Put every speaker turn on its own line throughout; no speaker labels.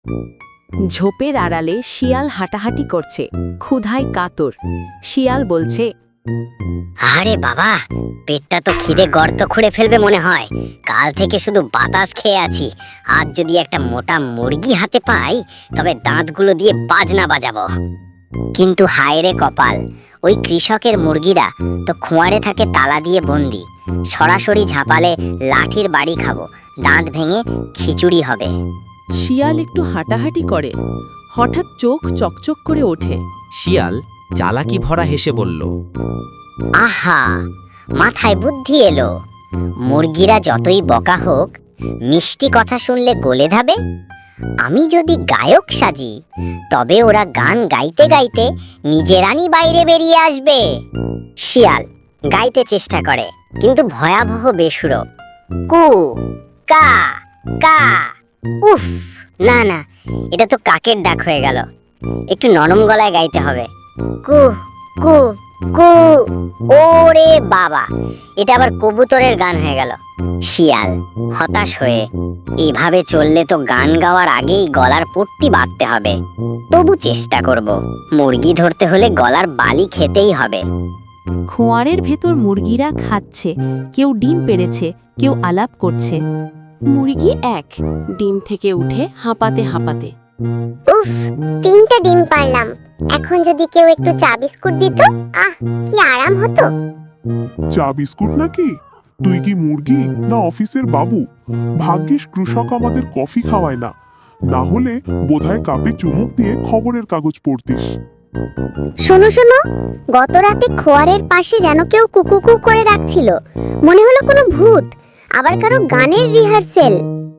ঝোপের আড়ালে শিয়াল হাঁটাহাঁটি করছে, ক্ষুধায় কাতর। শিয়াল বলছে,
আরে বাবা, পেটটা তো খিদে গর্ত খুঁড়ে ফেলবে মনে হয়। কাল থেকে শুধু বাতাস খেয়ে আছি। আজ যদি একটা মোটা মুরগি হাতে পাই, তবে দাঁতগুলো দিয়ে বাজনা বাজাবো। কিন্তু হায় রে কপাল, ওই কৃষকের মুরগিরা তো খোঁয়ারে থাকে তালা দিয়ে বন্দি। সরাসরি ঝাঁপালে লাঠির বাড়ি খাবো, দাঁত ভেঙে খিচুড়ি হবে।
শিয়াল একটু হাঁটাহাঁটি করে, হঠাৎ চোখ চকচক করে ওঠে।
শিয়াল চালাকি ভরা হেসে বলল,
আহা, মাথায় বুদ্ধি এলো। মুরগিরা যতই বকা হোক, মিষ্টি কথা শুনলে গলে ধাবে। আমি যদি গায়ক সাজি, তবে ওরা গান গাইতে গাইতে নিজেরানি বাইরে বেরিয়ে আসবে। শিয়াল গাইতে চেষ্টা করে, কিন্তু ভয়াবহ বেসুরো। কু কা কা। উফ, না না, এটা তো কাকের ডাক হয়ে গেল। একটু নরম গলায় গাইতে হবে। কু কু কু। ওরে বাবা, এটা আবার কবুতরের গান হয়ে গেল। শিয়াল হতাশ হয়ে, এইভাবে চললে তো গান গাওয়ার আগেই গলার পট্টি বাঁধতে হবে। তবু চেষ্টা করব, মুরগি ধরতে হলে গলার বালি খেতেই হবে।
খোঁয়ারের ভেতর মুরগিরা খাচ্ছে, কেউ ডিম পেড়েছে, কেউ আলাপ করছে। মুরগি এক ডিম থেকে উঠে হাঁপাতে হাঁপাতে,
উফ, 3টা ডিম পারলাম। এখন যদি কেউ একটু চা বিস্কুট দিত, আহ কি আরাম হতো।
চা বিস্কুট নাকি? তুই কি মুরগি না অফিসের বাবু? ভাগ্যিস কৃষক আমাদের কফি খাওয়ায় না, না হলে বোধহয় কাপে চুমুক দিয়ে খবরের কাগজ পড়তিস।
শোনো শোনো, গত রাতে খোয়ারের পাশে যেন কেউ কুকুকু করে রাখছিল। মনে হলো কোনো ভূত, আবার কারো গানের রিহার্সেল।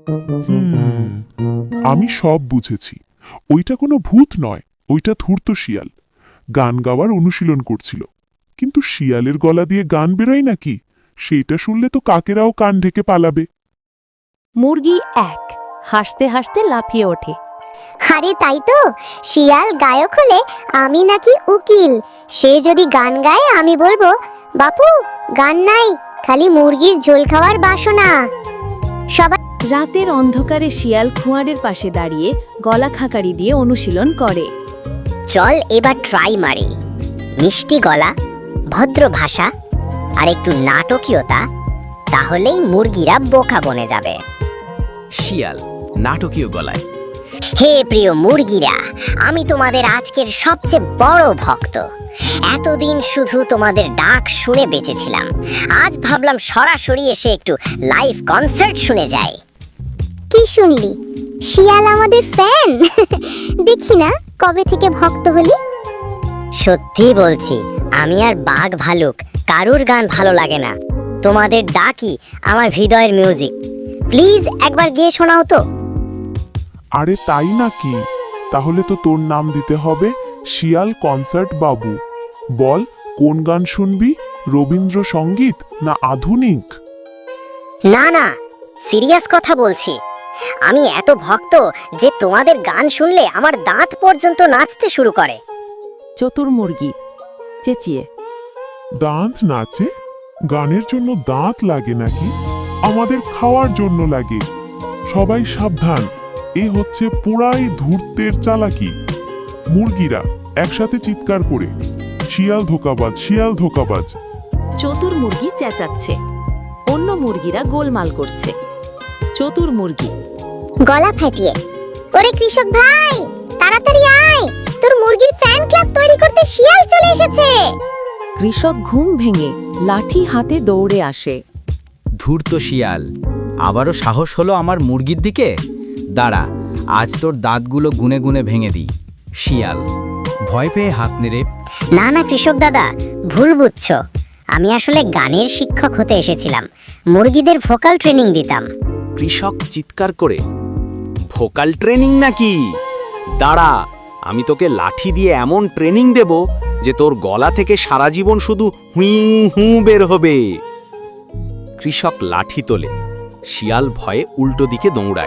আমি সব বুঝেছি। ওইটা কোনো ভূত নয়, ওইটা ধূর্ত শিয়াল গান গাওয়ার অনুশীলন করছিল। কিন্তু শিয়ালের গলা দিয়ে গান বেরোয় নাকি? সেইটা শুনলে তো কাকেরাও কান ঢেকে পালাবে।
মুরগি এক হাসতে হাসতে লাফিয়ে ওঠে।
আরে তাই তো, শিয়াল গায়ক হলে আমি নাকি উকিল। সে যদি গান গায়, আমি বলবো, বাপু গান নাই, খালি মুরগির ঝোল খাওয়ার বাসনা। সবাই
রাতের অন্ধকারে শিয়াল খোঁয়ারের পাশে দাঁড়িয়ে গলা খাকারি দিয়ে অনুশীলন করে।
চল এবার ট্রাই মারি। মিষ্টি গলা, ভদ্র ভাষা আর একটু নাটকীয়তা, তাহলেই মুরগিরা বোকা বনে যাবে।
শিয়াল নাটকীয় গলায়,
হে প্রিয় মুরগিরা, আমি তোমাদের আজকের সবচেয়ে বড় ভক্ত। এতদিন শুধু তোমাদের ডাক শুনে বেঁচেছিলাম, আজ ভাবলাম সরাসরি এসে একটু লাইভ কনসার্ট শুনে যাই।
কি শুনলি? শিয়াল আমাদের ফ্যান? দেখি না কবে থেকে ভক্ত হলি।
সত্যি বলছি, আমি আর বাঘ ভালুক কারুর গান ভালো লাগে না। তোমাদের ডাকই আমার হৃদয়ের মিউজিক। প্লিজ একবার গেয়ে শোনাও তো।
আরে তাই নাকি? তাহলে তো তোর নাম দিতে হবে শিয়াল কনসার্ট বাবু। বল, কোন গান শুনবি? রবীন্দ্রসঙ্গীত না আধুনিক?
না না, সিরিয়াস কথা বলছি। আমি এত ভক্ত যে তোমাদের গান শুনলে আমার দাঁত পর্যন্ত নাচতে শুরু করে।
চতুর মুরগি চেঁচিয়ে,
দাঁত নাচে? গানের জন্য দাঁত লাগে নাকি? আমাদের খাওয়ার জন্য লাগে। সবাই সাবধান, এ হচ্ছে পুরাই ধূর্তের চালাকি। মুরগিরা একসাথে চিৎকার করে, শিয়াল ধোকাবাজ, শিয়াল ধোকাবাজ।
চতুর মুরগি চেঁচাচ্ছে, অন্য মুরগিরা গোলমাল করছে। চতুর মুরগি
গলা ফাটিয়ে, ওরে কৃষক ভাই, তাড়াতাড়ি আয়, তোর মুরগির ফ্যান ক্লাব তৈরি করতে শিয়াল চলে এসেছে।
কৃষক ঘুম ভেঙে লাঠি হাতে দৌড়ে আসে।
ধূর্ত শিয়াল, আবারও সাহস হলো আমার মুরগির দিকে? দাঁড়া, আজ তোর দাঁতগুলো গুনে গুনে ভেঙে দিই। শিয়াল ভয় পেয়ে হাত নেড়ে,
না না কৃষক দাদা, ভুল বুঝছো। আমি আসলে গানের শিক্ষক হতে এসেছিলাম, মুরগিদের ভোকাল ট্রেনিং দিতাম।
কৃষক চিৎকার করে, ভোকাল ট্রেনিং নাকি? দাঁড়া, আমি তোকে লাঠি দিয়ে এমন ট্রেনিং দেব যে তোর গলা থেকে সারা জীবন শুধু হুঁ হুঁ বের হবে। কৃষক লাঠি তোলে, শিয়াল ভয়ে উল্টো দিকে দৌড়ায়।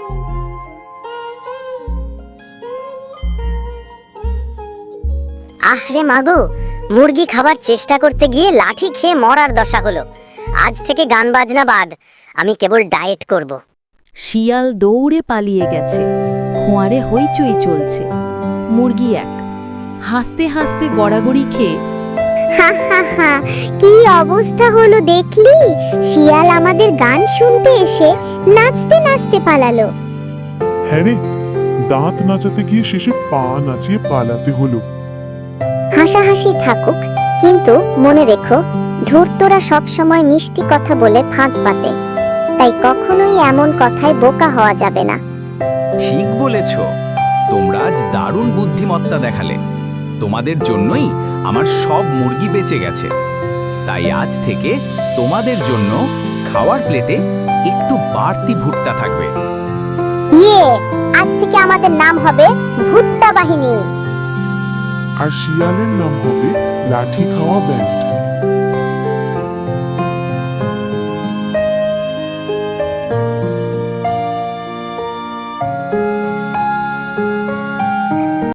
আহরে মাগো, মুরগি খাবার চেষ্টা করতে গিয়ে লাঠি খেয়ে মরার দশা হলো। আজ থেকে গান বাজনা বাদ, আমি কেবল ডায়েট করব।
শিয়াল দৌড়ে পালিয়ে গেছে। খোঁয়ারে হইচই চলছে। মুরগি 1 হাসতে হাসতে গড়াগড়ি খেয়ে
হা হা হা, কি অবস্থা হলো দেখলি? শিয়াল আমাদের গান শুনতে এসে নাচতে নাচতে পালালো।
হ্যাঁ রে, দাঁত নাচাতে গিয়ে শেষে পা নাচিয়ে পালাতে হলো।
হাসাহাসি থাকুক, কিন্তু মনে রেখো, ধূর্তরা সবসময় মিষ্টি কথা বলে ফাঁদ পাতে, তাই কখনোই এমন কথায় বোকা হওয়া যাবে না।
ঠিক বলেছ, তোমরা আজ দারুণ বুদ্ধিমত্তা দেখালে। তোমাদের জন্যই আমার সব মুরগি বেঁচে গেছে। তাই আজ থেকে তোমাদের জন্য খাওয়ার প্লেটে একটু বাড়তি ভুট্টা থাকবে।
ইয়ে, আজ থেকে আমাদের নাম হবে ভুট্টা বাহিনী।
আর শিয়ালের নাম হবে লাঠি খাওয়া ব্যান্ড।